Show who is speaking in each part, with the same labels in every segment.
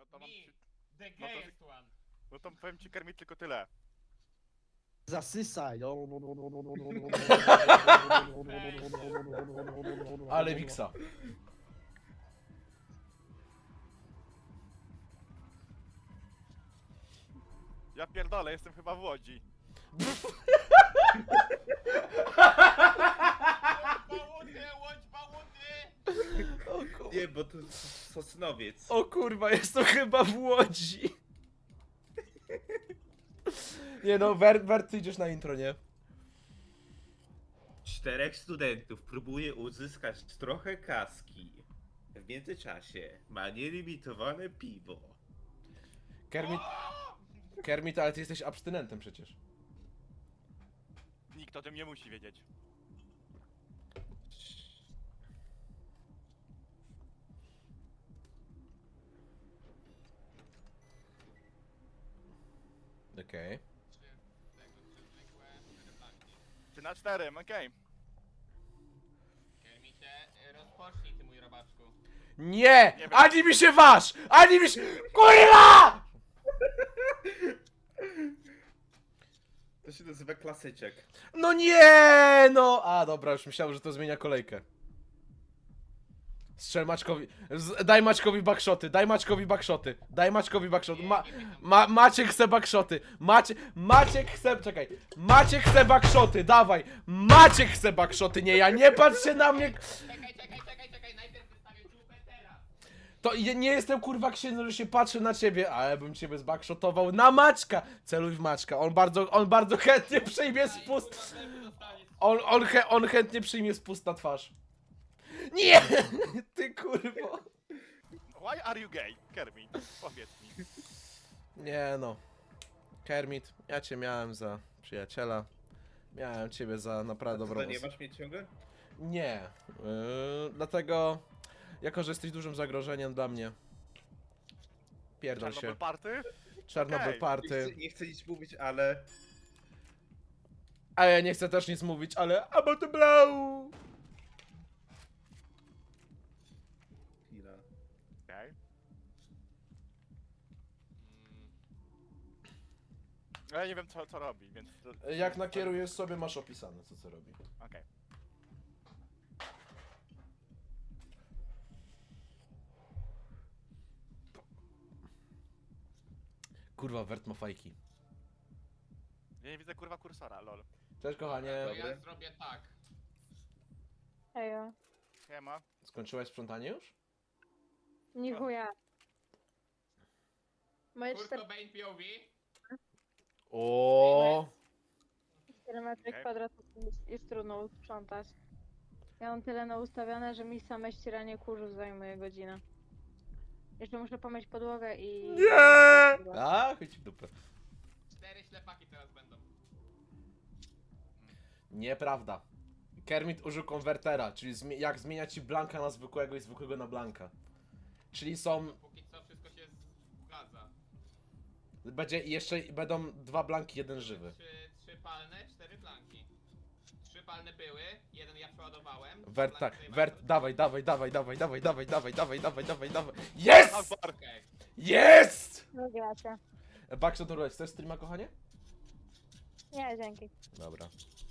Speaker 1: to mam
Speaker 2: Me,
Speaker 1: ci...
Speaker 2: the
Speaker 1: no to-
Speaker 2: gayest one.
Speaker 1: No to powiem ci, Kermit, tylko tyle.
Speaker 3: Zasysaj.
Speaker 4: Ale Wiksa.
Speaker 1: Ja pierdolę, jestem chyba w Łodzi.
Speaker 2: Łódź bałuty!
Speaker 5: Nie, bo to Sosnowiec.
Speaker 4: O kurwa, jest to chyba w Łodzi. Nie no, Wert, ty idziesz na intro, nie?
Speaker 5: 4 studentów próbuje uzyskać trochę kaski. W międzyczasie ma nielimitowane piwo.
Speaker 4: Kermit, ale ty jesteś abstynentem przecież.
Speaker 1: Nikt o tym nie musi wiedzieć.
Speaker 4: Okej.
Speaker 1: 3 na 4, okej.
Speaker 2: Kermicie, rozpocznij ty mój robaczku.
Speaker 4: Nie!
Speaker 1: wiem.
Speaker 4: Ani mi się waż! Ani mi się... KURWA!
Speaker 5: To się nazywa klasyczek.
Speaker 4: No nie! No! A dobra, już myślałem, że to zmienia kolejkę. Strzel Maćkowi. Daj Maćkowi backshoty, daj Maćkowi backshoty. Daj Maćkowi backshoty. Maciek chce backshoty. Maciek chce... Czekaj. Maciek chce backshoty, dawaj. Maciek chce backshoty, nie ja. Nie patrz się na mnie.
Speaker 2: Czekaj, najpierw wystawię czupę teraz.
Speaker 4: To nie jestem kurwa księdzem, że się patrzę na ciebie, ale bym ciebie zbackshotował na Maćka. Celuj w Maćka. On bardzo chętnie przyjmie spust. On chętnie przyjmie spust na twarz. Nie! Ty kurwo.
Speaker 1: Why are you gay, Kermit? Powiedz mi.
Speaker 4: Nie no. Kermit, ja cię miałem za przyjaciela. Miałem ciebie za naprawdę
Speaker 5: To
Speaker 4: dobrą
Speaker 5: nie
Speaker 4: osobę.
Speaker 5: masz mnie ciągle?
Speaker 4: Nie. Dlatego, jako że jesteś dużym zagrożeniem dla mnie. Pierdol się.
Speaker 1: Czarnobyl party?
Speaker 4: Czarnobyl
Speaker 1: Okej.
Speaker 4: party.
Speaker 5: Nie chcę nic mówić, ale...
Speaker 4: A ja nie chcę też nic mówić, ale about the blow!
Speaker 5: Chwila.
Speaker 1: Okej. Ja nie wiem co robi, więc...
Speaker 4: Jak nakierujesz sobie, masz opisane, co robi.
Speaker 1: Okej.
Speaker 4: Kurwa, Wert ma fajki.
Speaker 1: Ja nie widzę kurwa kursora, lol.
Speaker 4: Cześć kochanie.
Speaker 2: To ja
Speaker 5: Dobry.
Speaker 2: zrobię tak.
Speaker 6: Ejo,
Speaker 1: Siema.
Speaker 4: Skończyłaś sprzątanie już?
Speaker 6: nie chuja. Moje
Speaker 2: Kurt
Speaker 6: 4
Speaker 2: Cobain POV.
Speaker 4: O.
Speaker 6: metry
Speaker 1: Okej.
Speaker 6: kwadratowe jest trudno sprzątać. Ja mam tyle naustawione, że mi same ścieranie kurzu zajmuje godzinę. Jeszcze muszę pomyć podłogę i...
Speaker 4: Nie! A, chodź w dupę.
Speaker 2: 4 ślepaki teraz będą.
Speaker 4: Nieprawda. Kermit użył konwertera, czyli jak zmienia ci blanka na zwykłego i zwykłego na blanka. Czyli są...
Speaker 2: Póki co wszystko się zgadza.
Speaker 4: Będą 2 blanki, 1 żywy.
Speaker 2: 3 palne, 4 blanki. 3 palne były, jeden ja przeładowałem.
Speaker 4: Wert, tak,
Speaker 2: Blanki
Speaker 4: Wert,
Speaker 2: tutaj
Speaker 4: dawaj. Jest!
Speaker 1: Akbar!
Speaker 2: Okej.
Speaker 4: Jest!
Speaker 6: No gracie.
Speaker 4: Backshot Roulette, chcesz streama, kochanie?
Speaker 6: Nie, dzięki.
Speaker 4: Dobra.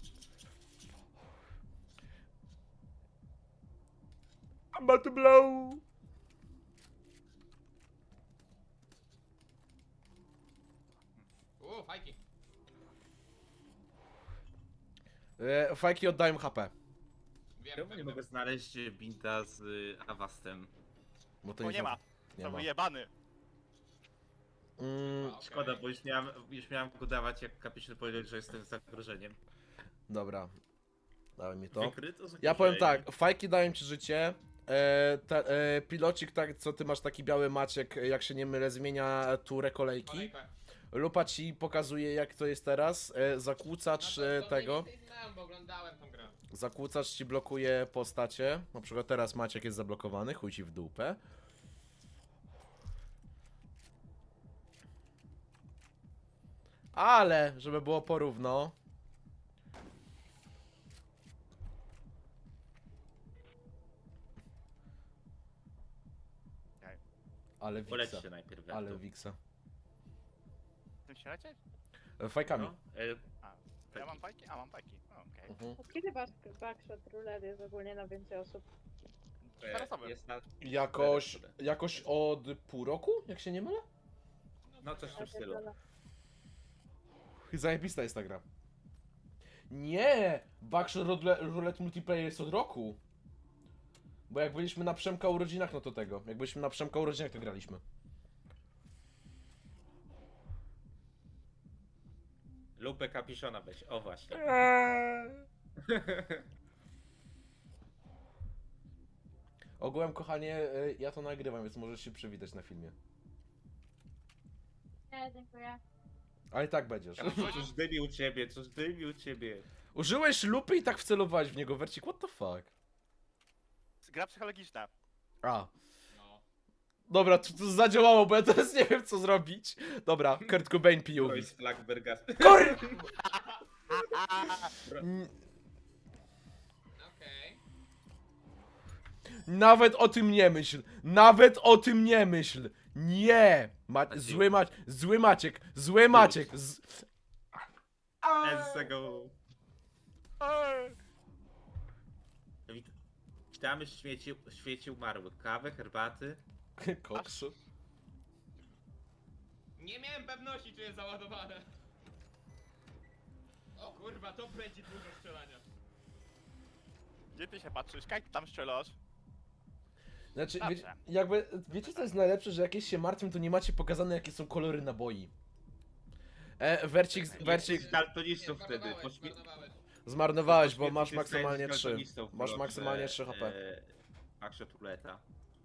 Speaker 4: I'm about to blow!
Speaker 2: Fajki.
Speaker 4: Fajki oddają HP.
Speaker 5: Czemu nie mogę znaleźć binta z Avastem?
Speaker 4: Bo to
Speaker 1: O, nie ma.
Speaker 4: Nie
Speaker 1: To
Speaker 4: ma.
Speaker 1: wyjebany.
Speaker 5: Szkoda, bo już miałem go dawać, jak kapitan powiedział, że jestem zagrożeniem.
Speaker 4: Dobra. Dawaj mi to.
Speaker 5: Wykryto
Speaker 4: Ja
Speaker 5: zagrożenie.
Speaker 4: powiem tak, fajki dają ci życie. Pilocik, tak, co ty masz taki biały Maciek, jak się nie mylę, zmienia turę kolejki.
Speaker 2: Kolejkę.
Speaker 4: Lupa ci pokazuje jak to jest teraz. Zakłócacz
Speaker 2: to
Speaker 4: tego.
Speaker 2: mniej więcej znałem, bo oglądałem tą grę.
Speaker 4: Zakłócacz ci blokuje postacie. Na przykład teraz Maciek jest zablokowany, chuj ci w dupę. Ale, żeby było porówno. Ale Ale Wixa.
Speaker 5: Polećcie najpierw. jak
Speaker 4: Ale
Speaker 5: to.
Speaker 4: Wixa.
Speaker 1: Chcesz się lecieć?
Speaker 4: Fajkami.
Speaker 5: No,
Speaker 1: Ja mam fajki? A, mam fajki. Okej.
Speaker 4: Mhm.
Speaker 6: Od kiedy backshot roulette jest ogólnie na więcej osób?
Speaker 1: Cztery osoby.
Speaker 5: jest na...
Speaker 4: Jakoś od pół roku, jak się nie mylę?
Speaker 5: No coś w tym
Speaker 6: Ja
Speaker 5: stylu.
Speaker 6: pierdolę.
Speaker 4: Zajebista jest ta gra. Nie! Backshot Roulette Multiplayer jest od roku. Bo jak byliśmy na Przemka urodzinach, no to tego. Jak byliśmy na Przemka urodzinach, to graliśmy.
Speaker 5: Lupę kapiszona weź, o właśnie.
Speaker 4: Ogółem, kochanie, ja to nagrywam, więc możesz się przywitać na filmie.
Speaker 6: Nie, dziękuję.
Speaker 4: Ale i tak będziesz.
Speaker 5: Coś dymi u ciebie, coś dymi u ciebie.
Speaker 4: Użyłeś lupy i tak wcelowałeś w niego, Wercik, what the fuck?
Speaker 1: Gra psychologiczna.
Speaker 4: A.
Speaker 2: No.
Speaker 4: Dobra, to zadziałało, bo ja teraz nie wiem co zrobić. Dobra, Kurt Cobain
Speaker 5: To
Speaker 4: POV.
Speaker 5: jest Flagberga.
Speaker 4: KUR...
Speaker 2: Okej.
Speaker 4: Nawet o tym nie myśl. Nawet o tym nie myśl. Nie. Zły Maciek. Zły Maciek.
Speaker 5: Z tego... Witamy w świecie umarłych. Kawę, herbaty.
Speaker 4: Koksu.
Speaker 2: Nie miałem pewności, czy jest załadowane. O kurwa, to będzie dużo strzelania.
Speaker 1: Gdzie ty się patrzysz? Kaj ty tam strzelasz?
Speaker 4: Znaczy,
Speaker 1: Dobrze.
Speaker 4: wiecie co jest najlepsze, że jakieś się martwią, to nie macie pokazane jakie są kolory naboi. Wercik,
Speaker 5: Z daltonistów
Speaker 2: Nie,
Speaker 5: wtedy.
Speaker 2: zmarnowałeś.
Speaker 4: zmarnowałeś, bo
Speaker 5: Poświęcić
Speaker 4: masz
Speaker 5: tych
Speaker 4: maksymalnie 3.
Speaker 5: daltonistów w
Speaker 4: Masz
Speaker 5: kolorze,
Speaker 4: maksymalnie 3 HP.
Speaker 5: Backshot ruleta.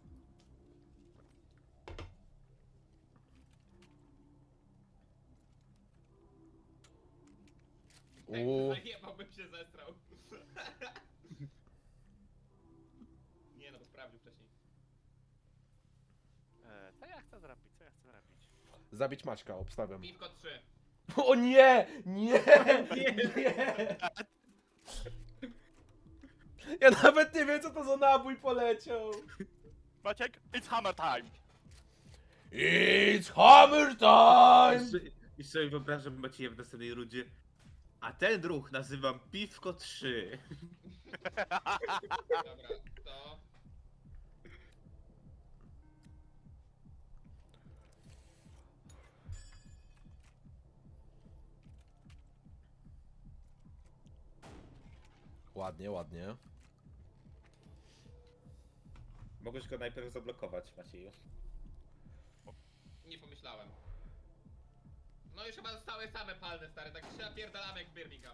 Speaker 2: Zajebałbym się zestrał. Nie no, bo sprawdził wcześniej.
Speaker 1: Co ja chcę zrobić? Co ja chcę zrobić?
Speaker 4: Zabić Maćka, obstawiam.
Speaker 2: Piwko 3.
Speaker 4: O nie! Nie! Nie! Ja nawet nie wiem co to za nabój poleciał.
Speaker 1: Maciek, it's hammer time!
Speaker 4: It's hammer time!
Speaker 5: I sobie wyobrażam Macieja w następnej rundzie. A ten ruch nazywam Piwko 3.
Speaker 2: Dobra, to...
Speaker 4: Ładnie, ładnie.
Speaker 5: Mogłeś go najpierw zablokować, Macieju.
Speaker 2: Nie pomyślałem. No już chyba zostały same palne, stary, tak się napierdalamy jak Birmingham.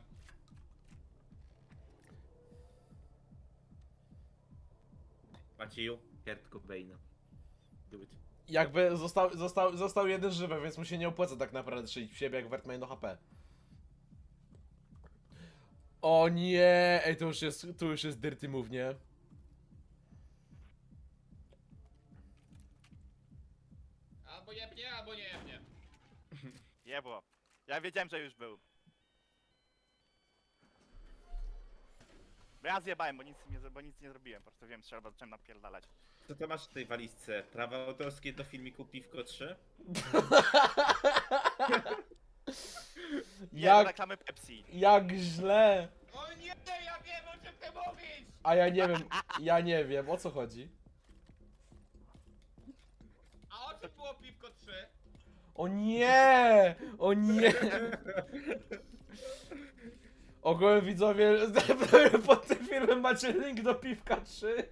Speaker 5: Macieju, Kurt Cobain. Do it.
Speaker 4: Jakby został jeden żywy, więc mu się nie opłaca tak naprawdę strzelić w siebie, jak Wert ma jedno HP. O nie! Ej, to już jest dirty move, nie?
Speaker 2: Albo jebnie, albo nie jebnie.
Speaker 1: Jebło. Ja wiedziałem, że już był. Bo ja zjebałem, bo nic nie zrobiłem. Po prostu wiem, trzeba zacząłem napierdalać.
Speaker 5: Co to masz w tej walizce? Prawa autorskie do filmiku Piwko 3?
Speaker 1: Nie,
Speaker 4: Jak,
Speaker 1: reklamy Pepsi.
Speaker 4: jak źle!
Speaker 2: O nie, ja wiem o czym ty mówisz!
Speaker 4: A ja nie wiem, o co chodzi?
Speaker 2: A o czym było piwko 3?
Speaker 4: O nie! O nie! Ogólnie widzowie, pod tym filmem macie link do Piwka 3.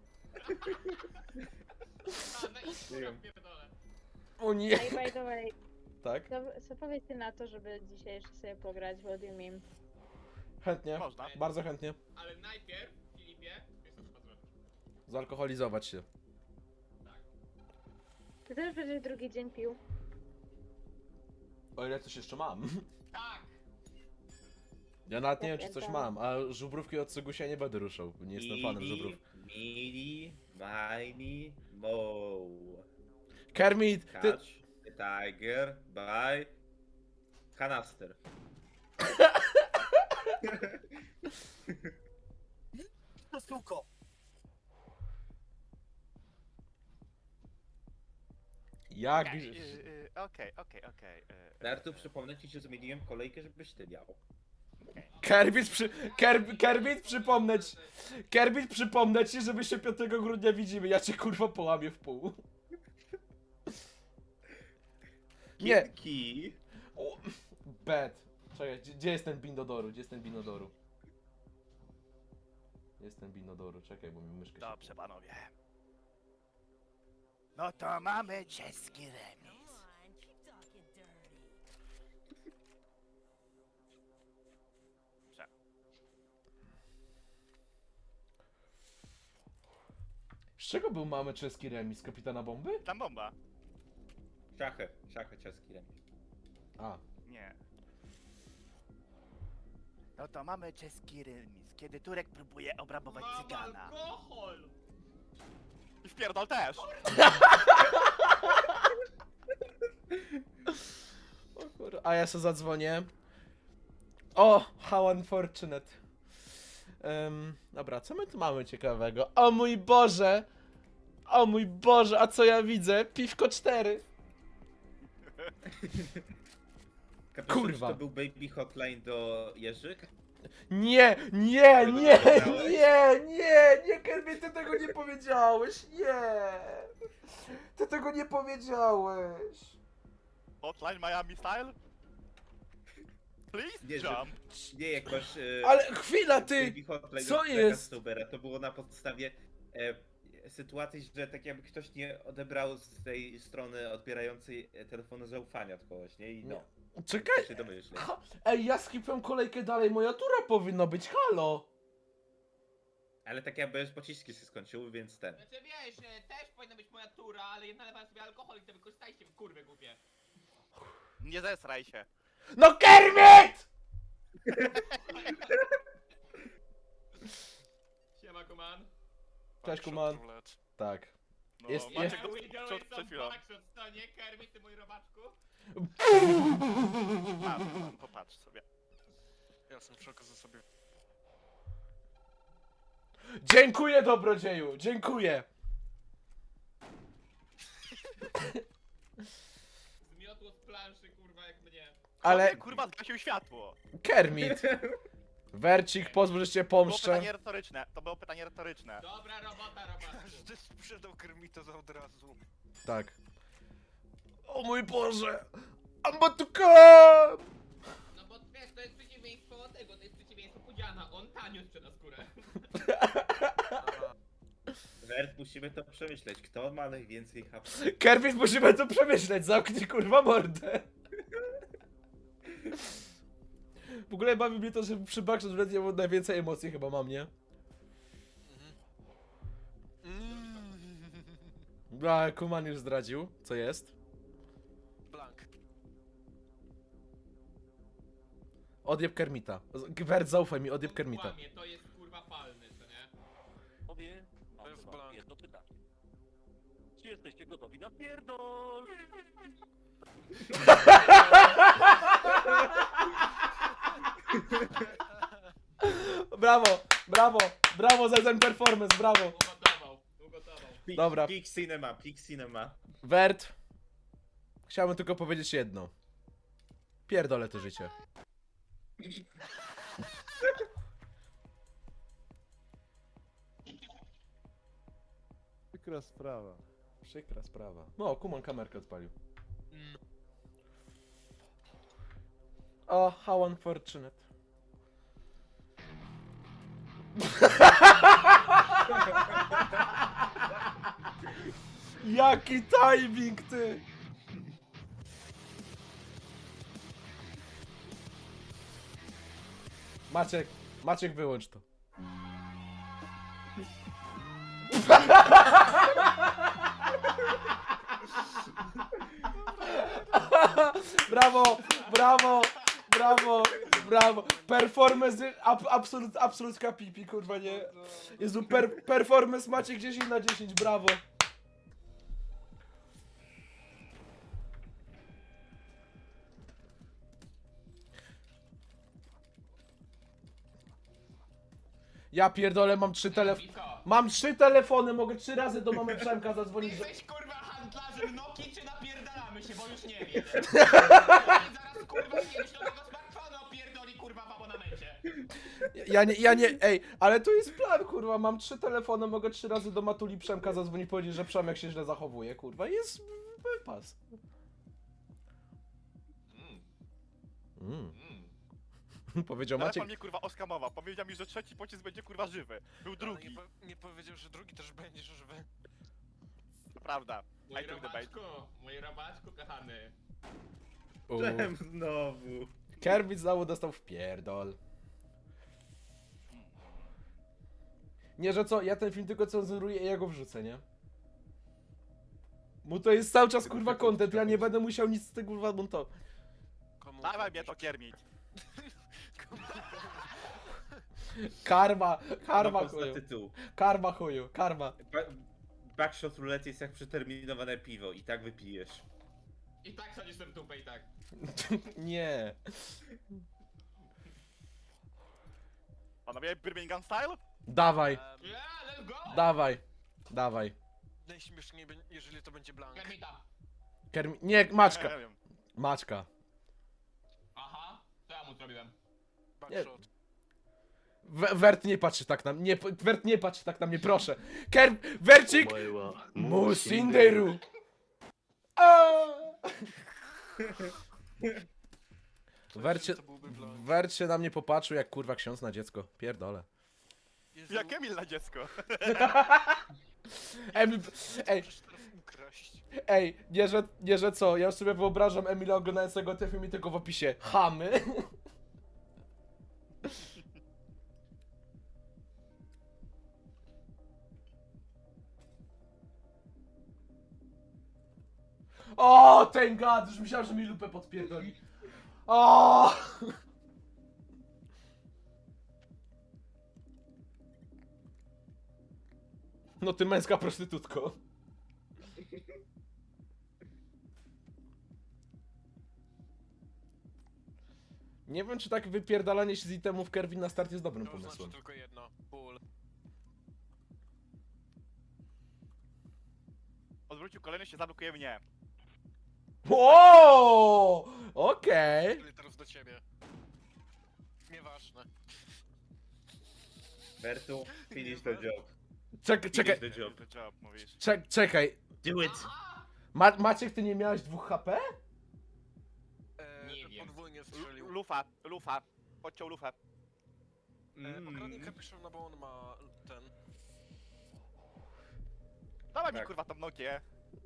Speaker 2: A, no i kurwa pierdolę.
Speaker 4: O nie!
Speaker 6: Ej, by the way,
Speaker 4: Tak?
Speaker 6: co powiecie na to, żeby dzisiaj jeszcze sobie pograć w Audio Meme?
Speaker 4: Chętnie,
Speaker 1: Można.
Speaker 4: bardzo chętnie.
Speaker 2: Ale najpierw, Filipie, wiesz co trzeba zrobić.
Speaker 4: Zalkoholizować się.
Speaker 2: Tak.
Speaker 6: Ty też będziesz drugi dzień pił?
Speaker 4: O ile coś jeszcze mam.
Speaker 2: Tak!
Speaker 4: Ja nawet nie
Speaker 6: Ja
Speaker 4: wiem, czy coś
Speaker 6: pierdolę.
Speaker 4: mam, a żubrówki od Sygusia nie będę ruszał. Nie jestem fanem żubrów.
Speaker 5: Mini, mini, mo.
Speaker 4: Kermit, ty...
Speaker 5: Catch the tiger by canister.
Speaker 4: Jak?
Speaker 1: Okej.
Speaker 5: Nartu, przypomnę ci, że zmieniłem kolejkę, żebyś ty miał.
Speaker 4: Kerbit, przypomnę ci, że my się 5 grudnia widzimy. Ja cię kurwa połamię w pół. Nie.
Speaker 5: Kitki.
Speaker 4: O, bad. Czekaj, gdzie jest ten Binodoru? Gdzie jest ten Binodoru? Jest ten Binodoru, czekaj, bo mi myszka się...
Speaker 1: Dobrze, panowie. No to mamy czeski remis.
Speaker 4: Z czego był mamy czeski remis? Kapitana Bomby?
Speaker 1: Tam bomba.
Speaker 5: Szachy czeski remis.
Speaker 4: A.
Speaker 1: Nie. No to mamy czeski remis, kiedy Turek próbuje obrabować
Speaker 2: Mam
Speaker 1: cygana.
Speaker 2: alkohol!
Speaker 1: I wpierdol też.
Speaker 4: O kurwa, a ja se zadzwonię. O, how unfortunate. Dobra, co my tu mamy ciekawego? O mój Boże! O mój Boże, a co ja widzę? Piwko 4.
Speaker 5: Kapitan,
Speaker 4: Kurwa.
Speaker 5: czy to był baby hotline do Jerzyk?
Speaker 4: Nie, Kermit, ty tego nie powiedziałeś, nie! Ty tego nie powiedziałeś.
Speaker 1: Hotline Miami style? Please
Speaker 5: Nie, że-
Speaker 1: jump.
Speaker 5: Nie, jak masz...
Speaker 4: Ale chwila, ty!
Speaker 5: baby hotline
Speaker 4: co
Speaker 5: od Jacka
Speaker 4: jest?
Speaker 5: Stubera, to było na podstawie sytuacji, że tak jakby ktoś nie odebrał z tej strony odbierającej telefonu zaufania od kogoś, nie? I no,
Speaker 4: Czekaj,
Speaker 5: się domyśleć.
Speaker 4: ej, ja skipłem kolejkę dalej, moja tura powinna być, halo!
Speaker 5: Ale tak jakby już pociski się skończyły, więc ten.
Speaker 2: Znaczy wiesz, też powinna być moja tura, ale ja nalewałem sobie alkohol i to wykorzystajcie w kurwy głupie.
Speaker 1: Nie zesraj się.
Speaker 4: No Kermit!
Speaker 2: Siema, kuman.
Speaker 4: Cześć, kuman. Tak.
Speaker 1: No,
Speaker 4: Jest-
Speaker 1: Maciek
Speaker 2: We
Speaker 1: przed
Speaker 2: doing some
Speaker 1: chwilą.
Speaker 2: backshot, to nie? Kermit, ty mój robaczku?
Speaker 1: Popatrz sobie.
Speaker 3: Ja sam przekażę sobie.
Speaker 4: Dziękuję, dobrodzieju, dziękuję.
Speaker 2: Zmiotło z planszy, kurwa, jak mnie.
Speaker 4: Ale
Speaker 1: Kurwa, zgasił światło.
Speaker 4: Kermit, Wercik, pozwól, że cię
Speaker 1: Było
Speaker 4: pomszczę.
Speaker 1: pytanie retoryczne. To było pytanie retoryczne.
Speaker 2: Dobra robota, robaczku.
Speaker 3: Każdy sprzedał Kermita za od razu.
Speaker 4: Tak. O mój Boże! I'm about to come!
Speaker 2: No bo wiesz, to jest przeciwieństwo tego, to jest przeciwieństwo Pudziana. On tanio sprzeda skórę.
Speaker 5: Wert, musimy to przemyśleć. Kto ma najwięcej HP?
Speaker 4: Kermit, musimy to przemyśleć, zamknij kurwa mordę. W ogóle bawi mnie to, że przy Backshot Red najwięcej emocji chyba mam, nie? A, Kuman już zdradził, co jest.
Speaker 3: Blank.
Speaker 4: Odjeb Kermita. Wert, zaufaj mi, odjeb
Speaker 2: On
Speaker 4: Kermita.
Speaker 2: kłamie, to jest kurwa palny, co nie?
Speaker 7: Panowie,
Speaker 3: To
Speaker 7: mam
Speaker 3: jest
Speaker 7: do was
Speaker 3: blank.
Speaker 7: jedno pytanie. Czy jesteście gotowi na pierdol?
Speaker 4: Brawo, brawo, brawo za ten performance, brawo.
Speaker 2: Ugotował.
Speaker 4: Dobra.
Speaker 5: Peak cinema.
Speaker 4: Wert, chciałbym tylko powiedzieć jedno. Pierdolę to życie.
Speaker 8: Przykra sprawa.
Speaker 4: Przykra sprawa. No, Kuman kamerkę odpalił. O, how unfortunate. Jaki timing, ty! Maciek, wyłącz to. Brawo, brawo, brawo, brawo. Performance, absolutka pipi, kurwa, nie. Jezu, performance Maciek 10 na 10, brawo. Ja pierdolę, mam 3 telefony. Mam 3 telefony, mogę 3 razy do mamy Przemka zadzwonić.
Speaker 2: Jesteś kurwa handlarzem Nokii czy napierdalasz nie wiem. Zaraz kurwa śnieżnego smartfona opierdoli kurwa w abonamencie.
Speaker 4: Ja nie, ej, ale to jest plan, kurwa, mam 3 telefony, mogę 3 razy do Matuli Przemka zadzwonić i powiedzieć, że Przemek się źle zachowuje, kurwa, jest wypas. Powiedział Maciek.
Speaker 1: Telefon mnie kurwa oskamował. Powiedział mi, że trzeci pocisk będzie kurwa żywy. Był
Speaker 3: Ale
Speaker 1: drugi.
Speaker 3: nie powiedział, że drugi też będzie żywy.
Speaker 1: Prawda.
Speaker 2: Mój
Speaker 1: I took the bait.
Speaker 2: robaczku kochany.
Speaker 5: Czemu znowu?
Speaker 4: Kermit znowu dostał w pierdol. Nie, że co, ja ten film tylko cenzuruję i ja go wrzucę, nie? Mu to jest cały czas kurwa content, ja nie będę musiał nic z tego kurwa montować.
Speaker 3: Komu
Speaker 1: Dawaj mnie to Kermit.
Speaker 4: Karma
Speaker 5: Pomysł na
Speaker 4: chuju,
Speaker 5: tytuł.
Speaker 4: karma chuju, karma.
Speaker 5: Backshot roulette jest jak przeterminowane piwo i tak wypijesz.
Speaker 2: I tak chodzisz w dupę i tak.
Speaker 4: Nie.
Speaker 1: Panowie, Birmingham style?
Speaker 4: Dawaj,
Speaker 2: Yeah, let's go!
Speaker 4: dawaj, dawaj.
Speaker 3: Najśmieszniej, jeżeli to będzie Blank.
Speaker 2: Kermita.
Speaker 4: Nie, Maczka,
Speaker 1: Nie wiem.
Speaker 4: Maczka.
Speaker 2: Aha, co ja mu zrobiłem?
Speaker 3: Backshot.
Speaker 4: Wert nie patrzy tak na mnie, Wert nie patrzy tak na mnie, proszę. Wercik!
Speaker 7: お前は
Speaker 4: Musinderu! Wercie,
Speaker 3: To byłby Blank.
Speaker 4: Wert się na mnie popatrzył jak kurwa ksiądz na dziecko. Pierdolę.
Speaker 3: Jezu,
Speaker 1: Jak Emil na dziecko.
Speaker 4: Emil, ej,
Speaker 3: możesz teraz ukraść.
Speaker 4: ej, nie że co, ja już sobie wyobrażam Emila oglądającego ten film i tylko w opisie chamy. O, ten gad, już myślałem, że mi lupę podpierdoli. O! No ty męska prostytutko. Nie wiem, czy tak wypierdalanie się z itemów Kerwin na start jest dobrym
Speaker 3: To
Speaker 4: pomysłem.
Speaker 3: znaczy tylko jedno. Ból.
Speaker 1: Odwrócił kolejny, się zablokuje mnie.
Speaker 4: O! Okej.
Speaker 3: Czyli teraz do ciebie. Nieważne.
Speaker 5: Bertu, finish the job.
Speaker 4: Czekaj,
Speaker 5: Finish the job.
Speaker 1: Good job, mówisz.
Speaker 4: czekaj.
Speaker 5: Do it!
Speaker 4: Maciek, ty nie miałeś 2 HP?
Speaker 2: Nie wiem.
Speaker 3: Podwójnie strzelił.
Speaker 1: Lufa. Odciął lufę.
Speaker 3: Okradnij Capuchona, bo on ma ten...
Speaker 1: Dawaj mi
Speaker 5: Tak.
Speaker 1: kurwa tą Nokię.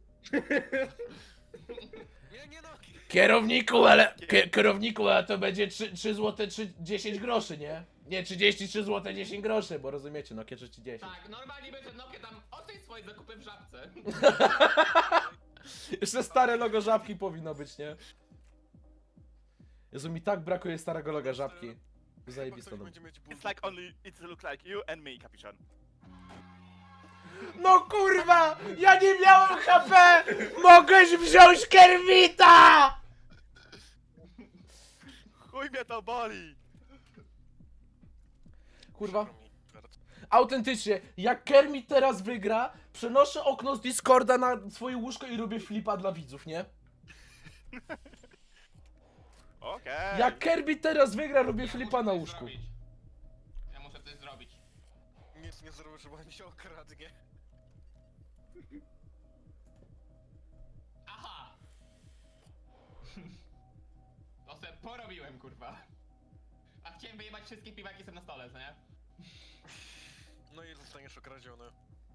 Speaker 3: Nie nogi!
Speaker 4: Kierowniku, ale to będzie 3 zł 10 groszy, nie? Nie, 33 zł 10 groszy, bo rozumiecie, no kierzy 30.
Speaker 2: Tak, normalnie by ten Nokia tam oceń swoje zakupy w żabce.
Speaker 4: Jeszcze stare logo żabki powinno być, nie? Jezu, mi tak brakuje starego loga żabki.
Speaker 3: Chyba
Speaker 4: Zajebiste
Speaker 3: ktoś
Speaker 4: no.
Speaker 3: będzie mieć ból.
Speaker 1: It's like only, it looks like you and me, Capuchin.
Speaker 4: No kurwa! Ja nie miałem HP! Mogłeś wziąć Kermita!
Speaker 1: Chuj mnie to boli!
Speaker 4: Kurwa.
Speaker 3: Przykro mi, Bert.
Speaker 4: Autentycznie, jak Kermit teraz wygra, przenoszę okno z Discorda na swoje łóżko i robię flipa dla widzów, nie?
Speaker 1: Okej.
Speaker 4: Jak Kermit teraz wygra, robię
Speaker 2: Ja
Speaker 4: flipa
Speaker 2: muszę
Speaker 4: na
Speaker 2: coś
Speaker 4: łóżku.
Speaker 2: zrobić. Ja muszę coś zrobić.
Speaker 3: Nic nie zrobił, bo mi się okradnie.
Speaker 2: Aha! To se porobiłem, kurwa. A chciałem wyjebać wszystkie piwaki są na stole, co nie?
Speaker 3: No i zostaniesz okradziony.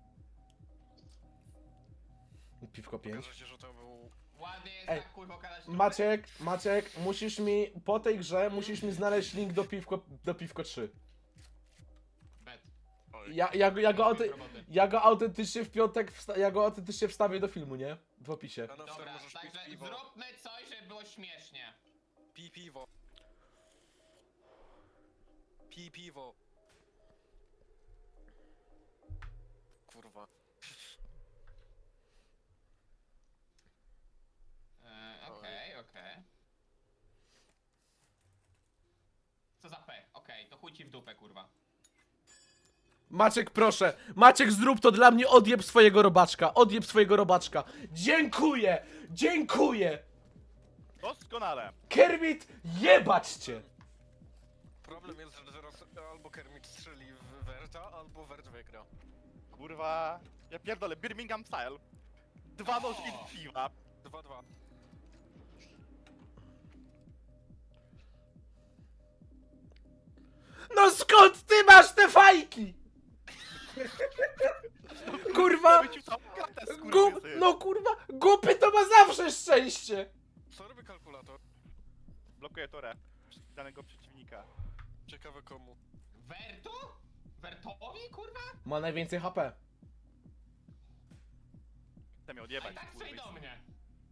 Speaker 4: Piwko 5.
Speaker 3: Okaże się, że to był...
Speaker 2: Ładnie jest
Speaker 4: Ej,
Speaker 2: tak kurwa okazać trupy.
Speaker 4: Maciek, musisz mi, po tej grze, musisz mi znaleźć link do Piwko 3.
Speaker 2: Bet.
Speaker 3: Oj.
Speaker 4: Ja go autentycznie w piątek, ja go autentycznie wstawię do filmu, nie? W opisie.
Speaker 3: A na wstęp
Speaker 2: Dobra,
Speaker 3: możesz pić
Speaker 2: także
Speaker 3: piwo.
Speaker 2: zróbmy coś, żeby było śmiesznie.
Speaker 3: Pij piwo. Pij piwo. Kurwa.
Speaker 2: Okej. Co za pech? Okej, to chuj ci w dupę, kurwa.
Speaker 4: Maciek, proszę. Maciek, zrób to dla mnie, odjeb swojego robaczka. Odjeb swojego robaczka. Dziękuję! Dziękuję!
Speaker 1: Doskonale.
Speaker 4: Kermit, jebać cię!
Speaker 3: Problem jest, że teraz albo Kermit strzeli w Werta, albo Wert wygra.
Speaker 1: Kurwa. Ja pierdolę, Birmingham style. 2 nożki z piwa.
Speaker 3: 2-2.
Speaker 4: No skąd ty masz te fajki? Kurwa!
Speaker 1: Wycił całą kartę,
Speaker 4: Gup,
Speaker 1: skurwysy.
Speaker 4: no kurwa, głupy to ma zawsze szczęście!
Speaker 3: Co robi kalkulator?
Speaker 1: Blokuje torę danego przeciwnika.
Speaker 3: Ciekawe komu.
Speaker 2: Wertu? Wertowi, kurwa?
Speaker 4: Ma najwięcej HP.
Speaker 1: Chcę mnie
Speaker 2: A i
Speaker 1: odjebać,
Speaker 2: tak strzeli do
Speaker 1: kurwysy.
Speaker 2: mnie.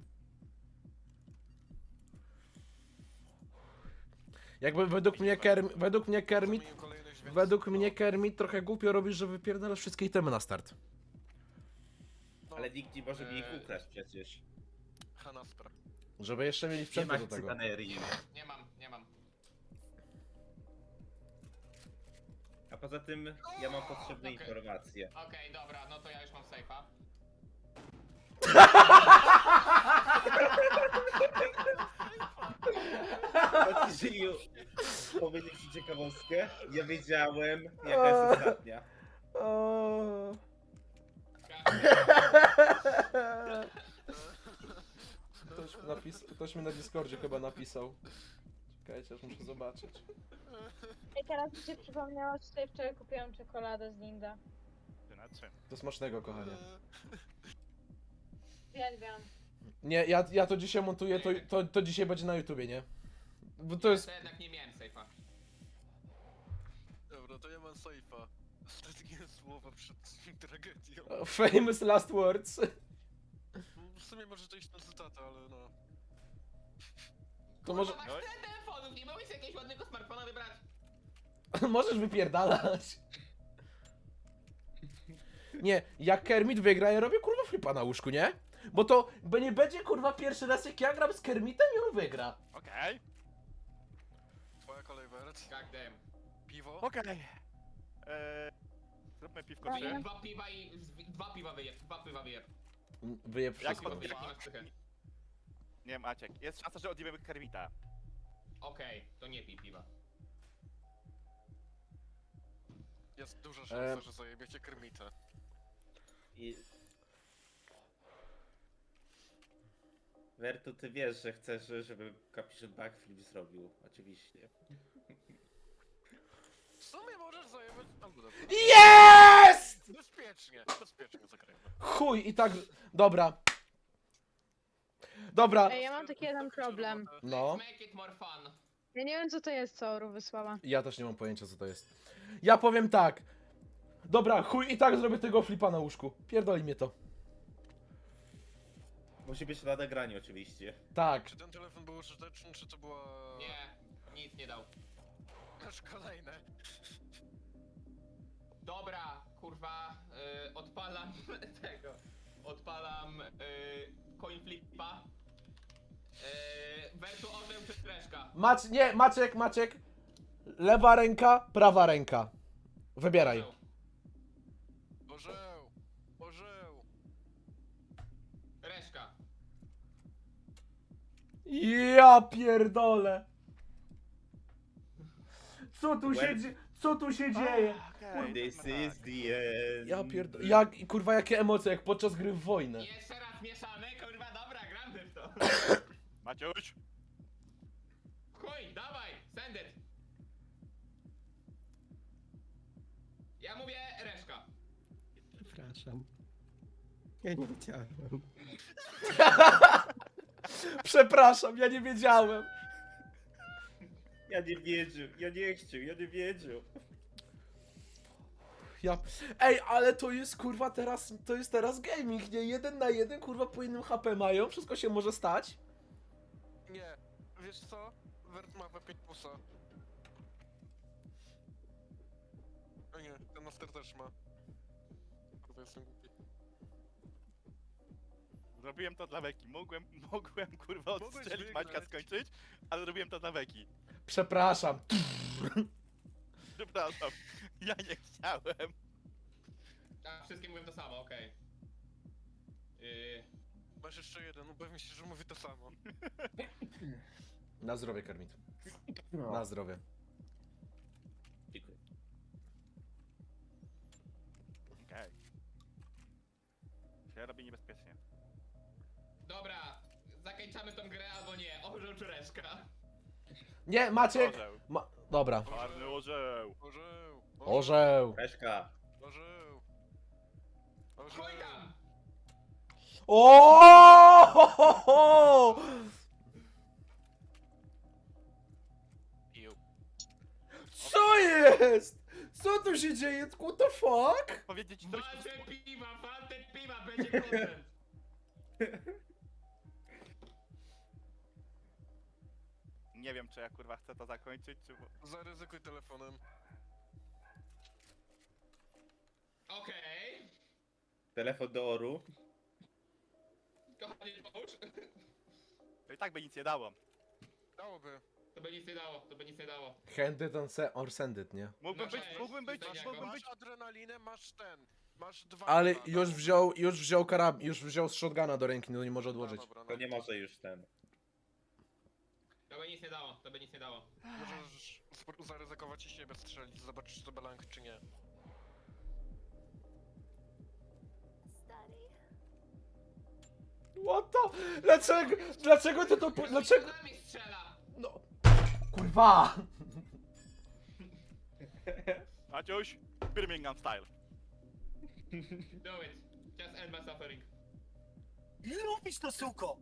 Speaker 4: Jakby według mnie Kermit,
Speaker 3: Zamienił kolejność, więc...
Speaker 4: według mnie Kermit trochę głupio robisz, że wypierdalasz wszystkie itemy na start.
Speaker 3: No,
Speaker 5: Ale nikt nie może mi ich ukraść przecież.
Speaker 3: Hanaspra.
Speaker 4: Żeby jeszcze mieli
Speaker 5: Nie
Speaker 4: sprzęt
Speaker 5: masz
Speaker 4: do tego.
Speaker 5: cyganerii.
Speaker 2: Nie mam.
Speaker 5: A poza tym ja mam potrzebne
Speaker 2: Okej.
Speaker 5: informacje.
Speaker 2: Okej, dobra, no to ja już mam sejfa.
Speaker 5: Jeżeli powiedzieć ci ciekawostkę, ja wiedziałem jaka jest ostatnia.
Speaker 4: O. Ktoś mi na Discordzie chyba napisał. Czekajcie, aż muszę zobaczyć.
Speaker 6: I teraz mi się przypomniało, że tutaj wczoraj kupiłam czekoladę z Linda.
Speaker 1: 3-3.
Speaker 4: Do smacznego, kochanie.
Speaker 6: Uwielbiam.
Speaker 4: Nie, ja to dzisiaj montuję, to dzisiaj będzie na YouTubie, nie? Bo to jest...
Speaker 2: To jednak nie miałem sejfa.
Speaker 3: Dobra, to ja mam sejfa. Ostatnie słowa przed tragedią.
Speaker 4: Famous last words.
Speaker 3: W sumie może to iść na cytatę, ale no...
Speaker 4: To może...
Speaker 2: Kurwa, masz tyle telefonów, nie mogłeś jakiegoś ładnego smartfona wybrać?
Speaker 4: Możesz wypierdalać. Nie, jak Kermit wygra, ja robię kurwa flipa na łóżku, nie? Bo nie będzie kurwa pierwszy raz jak ja gram z Kermitem i on wygra.
Speaker 1: Okej.
Speaker 3: Twoja kolej, Wert.
Speaker 2: God damn.
Speaker 3: Piwo?
Speaker 1: Okej. Zróbmy piwko
Speaker 6: Dobra.
Speaker 1: 3.
Speaker 2: Dwa piwa i... Dwa piwa wyjeb, dwa piwa wyjeb.
Speaker 4: Wyjeb
Speaker 1: Jak
Speaker 4: wszystko.
Speaker 1: od-
Speaker 2: Piwa na sztychę.
Speaker 1: Nie, Maciek. Jest szansa, że odjebiemy Kermita.
Speaker 2: Okej, to nie pij piwa.
Speaker 3: Jest duża szansa, że zajebiecie Kermita.
Speaker 5: I... Wertu, ty wiesz, że chcesz, żeby kapiszon backflip zrobił. Oczywiście.
Speaker 3: W sumie możesz zajebać... Albo dobra.
Speaker 4: Jest!
Speaker 3: Bezpiecznie zagrajmy.
Speaker 4: Chuj, i tak... Dobra. Dobra.
Speaker 6: Ej, ja mam taki jeden problem.
Speaker 4: No.
Speaker 2: Let's make it more fun.
Speaker 6: Ja nie wiem, co to jest, co Oru wysłała.
Speaker 4: Ja też nie mam pojęcia, co to jest. Ja powiem tak. Dobra, chuj, i tak zrobię tego flipa na łóżku. Pierdoli mnie to.
Speaker 5: Musi być na nagraniu oczywiście.
Speaker 4: Tak.
Speaker 3: Czy ten telefon był użyteczny, czy to była...
Speaker 2: Nie, nic nie dał.
Speaker 3: Masz kolejne.
Speaker 2: Dobra, kurwa, odpalam tego. Odpalam coin flipa. Wertu orzeł czy streszka?
Speaker 4: Nie, Maciek. Lewa ręka, prawa ręka. Wybieraj.
Speaker 3: Orzeł.
Speaker 2: Reszka.
Speaker 4: Ja pierdolę. Co tu się dzieje?
Speaker 1: Okej,
Speaker 5: This
Speaker 1: zróbmy
Speaker 5: is
Speaker 1: tak.
Speaker 5: the end.
Speaker 4: Ja pierdolę. Kurwa, jakie emocje, jak podczas gry w wojnę.
Speaker 2: Jeszcze raz mieszamy, kurwa, dobra, gramy w to.
Speaker 1: Maciuś.
Speaker 2: Chuj, dawaj, send it. Ja mówię reszka.
Speaker 8: Przepraszam. Ja nie wiedziałem.
Speaker 4: Przepraszam, ja nie wiedziałem.
Speaker 5: Ja nie wiedział, ja nie chciał, ja nie wiedział.
Speaker 4: Ej, ale to jest kurwa teraz gaming, nie? 1 na 1, kurwa po innym HP mają, wszystko się może stać.
Speaker 3: Nie. Wiesz co? Wert ma w 5 plusa. O nie, ten master też ma. Kurwa, jestem głupi.
Speaker 1: Zrobiłem to dla Weki. Mogłem kurwa
Speaker 3: Mogłeś
Speaker 1: odstrzelić
Speaker 3: wygrać.
Speaker 1: Maćka, skończyć, ale robiłem to dla Weki.
Speaker 4: Przepraszam.
Speaker 1: Przepraszam. Ja nie chciałem.
Speaker 2: A, wszystkie mówią to samo, okej.
Speaker 3: Masz jeszcze jeden, upewnij się, że mówi to samo.
Speaker 4: Na zdrowie, Kermit.
Speaker 5: No.
Speaker 4: Na zdrowie.
Speaker 5: Dziękuję.
Speaker 1: Okej. Się robi niebezpiecznie.
Speaker 2: Dobra, zakończamy tą grę albo nie. Orzeł czy reszka?
Speaker 4: Nie, Maciek!
Speaker 1: Orzeł.
Speaker 4: Dobra.
Speaker 1: Czarny orzeł.
Speaker 3: Orzeł!
Speaker 4: Orzeł!
Speaker 5: Reszka.
Speaker 3: Orzeł!
Speaker 2: Chuj tam!
Speaker 4: O!
Speaker 3: Piu.
Speaker 4: Co jest? Co tu się dzieje? What the fuck?
Speaker 1: Powiedzieć coś...
Speaker 2: Walczę piwa, walczę piwa, będzie content.
Speaker 1: Nie wiem, czy ja kurwa chcę to zakończyć, czy...
Speaker 3: Zaryzykuj telefonem.
Speaker 2: Okej.
Speaker 5: Telefon do Oru.
Speaker 2: Kochanie, pomóż.
Speaker 1: To i tak by nic nie dało.
Speaker 3: Dałoby.
Speaker 2: To by nic nie dało, to by nic nie dało.
Speaker 4: Hand it or send it, nie?
Speaker 1: Mógłbym
Speaker 2: No
Speaker 1: być,
Speaker 2: cześć,
Speaker 1: mógłbym być,
Speaker 2: widzenia,
Speaker 1: mógłbym być...
Speaker 3: Masz adrenalinę, masz ten. Masz dwa.
Speaker 4: Ale
Speaker 3: dwa,
Speaker 4: już wziął już wziął z shotguna do ręki, no nie może odłożyć.
Speaker 3: Dobra, no.
Speaker 5: To nie może już ten.
Speaker 2: To by nic nie dało, to by nic nie dało.
Speaker 3: Możesz zaryzykować i siebie strzelić, zobaczysz to belank czy nie.
Speaker 4: What the? Dlaczego ty to... Dlaczego?
Speaker 2: Z nami strzela!
Speaker 4: No... Kurwa!
Speaker 1: Maciuś, Birmingham style.
Speaker 2: Do it. Just end my suffering.
Speaker 7: Lubisz to, suko!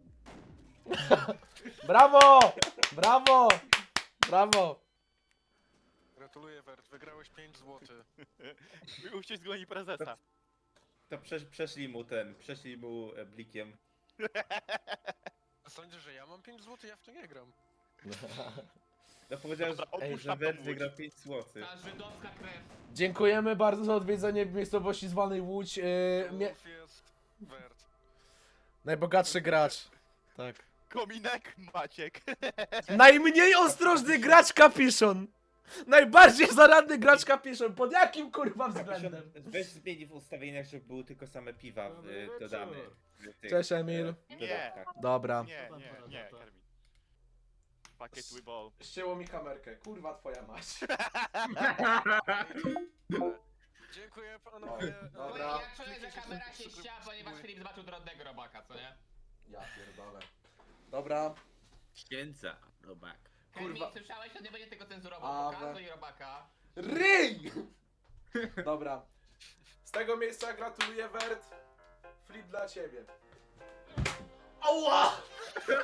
Speaker 4: Brawo! Brawo! Brawo!
Speaker 3: Gratuluję Wert, wygrałeś 5 zł.
Speaker 1: Uścisk goni prezesa.
Speaker 5: To przeszli mu blikiem.
Speaker 3: Sądzisz, że ja mam 5 zł? Ja w to nie gram.
Speaker 5: No powiedziałem,
Speaker 1: Dobra,
Speaker 5: że,
Speaker 1: opuść
Speaker 5: że
Speaker 1: tam
Speaker 5: Wet
Speaker 1: tą
Speaker 5: wygrał
Speaker 1: łódź.
Speaker 5: 5 zł.
Speaker 2: Ta żydowska krew.
Speaker 4: Dziękujemy bardzo za odwiedzenie miejscowości zwanej Łódź.
Speaker 3: Wolf jest Wert.
Speaker 4: Najbogatszy gracz. Tak.
Speaker 1: Kominek Maciek.
Speaker 4: Najmniej ostrożny gracz Kapiszon. Najbardziej zaradny gracz Kapiszon. Pod jakim kurwa względem?
Speaker 5: Weź zmieni w ustawieniach, żeby były tylko same piwa dodane. w tych,
Speaker 4: Cześć, Emil.
Speaker 5: dodatkach.
Speaker 4: Dobra.
Speaker 1: Nie, Kermit. Fuck it, we ball.
Speaker 4: Ścięło mi kamerkę. Kurwa twoja mać.
Speaker 3: Dziękuję panowie.
Speaker 4: Dobra.
Speaker 2: Ja czuję, że kamera się ściała, ponieważ Filip zobaczył drobnego robaka, co nie?
Speaker 4: Ja pierdolę. Dobra.
Speaker 5: Księdza, robak.
Speaker 2: Kurwa.
Speaker 4: Kurwa.
Speaker 2: Słyszałeś, on nie będzie tego cenzurował,
Speaker 4: Awe.
Speaker 2: pokazuj robaka.
Speaker 4: Ryj! Dobra. Z tego miejsca gratuluję Wert. Flip dla ciebie. Ała!